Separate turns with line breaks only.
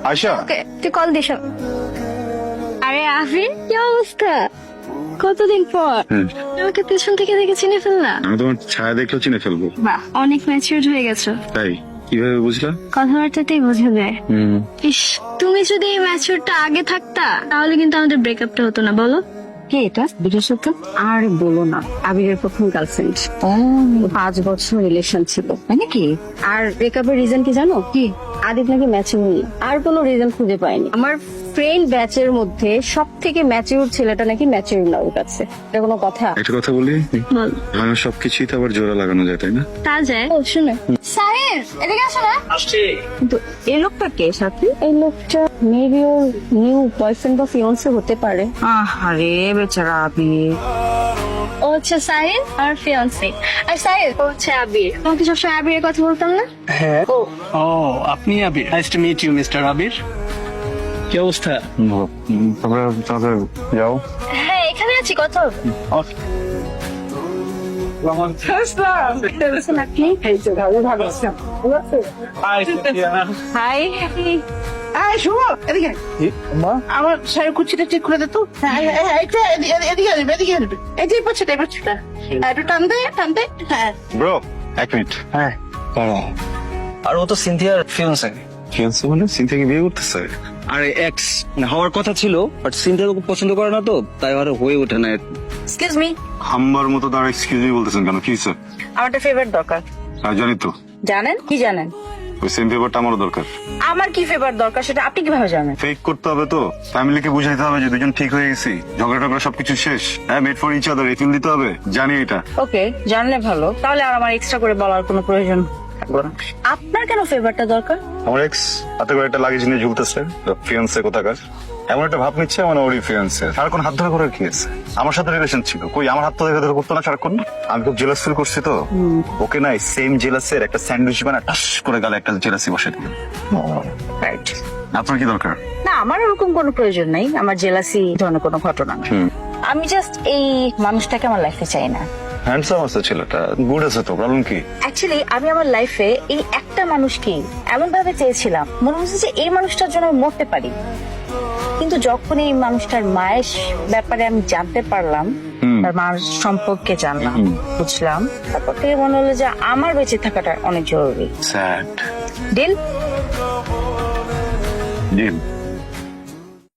আয়শা,
ওকে তুই call this. আরে আফরিন, কি অবস্থা? কতদিন পর আমাকে পেছন থেকে দেখে চিনে ফেললা?
আমি তোমার ছায়া দেখলেও চিনে ফেলবো।
বাহ, অনেক ম্যাচিউরড হয়ে গেছো।
তাই কিভাবে বুঝলা?
কথাবার্তাতেই বোঝা যায়। ইস, তুমি যদি এই ম্যাচিউরটা আগে থাকতা তাহলে কিন্তু আমাদের ব্রেকআপটা হতো না, বলো?
কে এটা? বিশেষত আর বলো না, আবিরের প্রথম গার্লফ্রেন্ড। 5 বছর রিলেশন ছিল, তাই নাকি? আর ব্রেকআপের রিজন কি জানো? কি? আদিপ নাকি ম্যাচিউর, আর কোনো রিজন খুঁজে পাইনি। আমার ফ্রেন্ড ব্যাচের মধ্যে সব থেকে ম্যাচিউর ছেলেটা নাকি ম্যাচিউর না ওর কাছে। এটা কোনো কথা?
একটা কথা বলি,
বল।
আমার সবকিছুই তো আবার জোড়া লাগানো যায়, তাই না?
তা যায়। ও শুনে সাহেব, এদিকে আসো না।
কিন্তু এই লোকটা কে সাথে? এই লোকটা মেবি ওর নিউ বয়ফ্রেন্ড বা ফিয়ান্সে হতে পারে। আরে বেচারা আবির।
ও হচ্ছে সাহিল আর ফিয়ান্সি। আর সাহিল ও হচ্ছে আবির। তোমাকে সবসময় আবিরের কথা বলতাম না?
হ্যাঁ। ও আপনি Abir? Nice to meet you mister Abir. কি অবস্থা?
তোমরা তাহলে যাও।
হ্যাঁ, এখানে আছি, কথা হবে।
হাই।
এই শুভ, এদিকে আমার শাড়ি কুচিটা ঠিক করে দে তো। এদিকে আসবে, এদিকে আসবে। এই যে পাচ্ছেটা, এই পাচ্ছেটা একটু টান দে, টান দে। হ্যাঁ,
ব্রো, এক মিনিট।
হ্যাঁ। আর ও তো সিনথিয়ার ফিয়ান্সে।
ফিয়ান্সে মানে সিনথিয়াকে বিয়ে করতেছে?
আরে এক্স হওয়ার কথা ছিল, বাট সিনথিয়া ওকে পছন্দ করে না, তো তাই আর হয়ে ওঠে না।
এক্সকিউজ মি,
হাম্বার মতো তার এক্সকিউজ মি বলতেছেন কেন? কি স্যার?
আমার একটা ফেভার দরকার।
জানি তো,
জানেন? কি জানেন?
ওই সেম পেপারটা আমারও দরকার।
আমার কি ফেভার দরকার সেটা আপনি কিভাবে জানেন?
ফেক করতে হবে তো, ফ্যামিলিকে বুঝাইতে হবে যে দুজন ঠিক হয়ে গেছি, ঝগড়া টগড়া সবকিছু শেষ। হ্যাঁ, মেড ফর ইচ আদার, এই ফিল দিতে হবে। জানি এটা।
ওকে, জানলে ভালো। তাহলে আর আমার এক্সট্রা করে বলার কোনো প্রয়োজন থাকলো না। আপনার কেন ফেভারটা দরকার?
আমার এক্স হাতে করে একটা লাগেজ নিয়ে ঝুলতেছে, ফিয়ান্সে কোথাকার। এমন একটা ভাব নিচ্ছে মানে ওরই ফিয়ান্সে। সারাক্ষণ হাত ধরা করার কি আছে? আমার সাথে রিলেশন ছিল, কই আমার হাত তো ধরে ধরে করতো না সারাক্ষণ। আমি খুব জেলাস ফিল করছি তো। ওকে নাই সেম জেলাসের একটা স্যান্ডউইচ বানায় টাস করে গালে একটা জেলাসি বসে দিল।
রাইট।
আপনার কি দরকার?
না, আমার ওরকম কোনো প্রয়োজন নাই, আমার জেলাসি ধরনের কোনো ঘটনা না। আমি জাস্ট এই মানুষটাকে আমার লাইফে চাই না।
হ্যান্ডসাম আছে ছেলেটা, গুড আছে তো, প্রবলেম কি?
অ্যাকচুয়ালি আমি আমার লাইফে এই একটা মানুষকে এমন ভাবে চেয়েছিলাম, মনে হচ্ছে যে এই মানুষটার জন্য আমি মরতে পারি। কিন্তু যখন এই মানুষটার মায়ের ব্যাপারে আমি জানতে পারলাম, তার মার সম্পর্কে জানলাম, বুঝলাম, তারপর থেকে মনে হলো যে আমার বেঁচে থাকাটা অনেক জরুরি।
Sad
deal?
ডিল।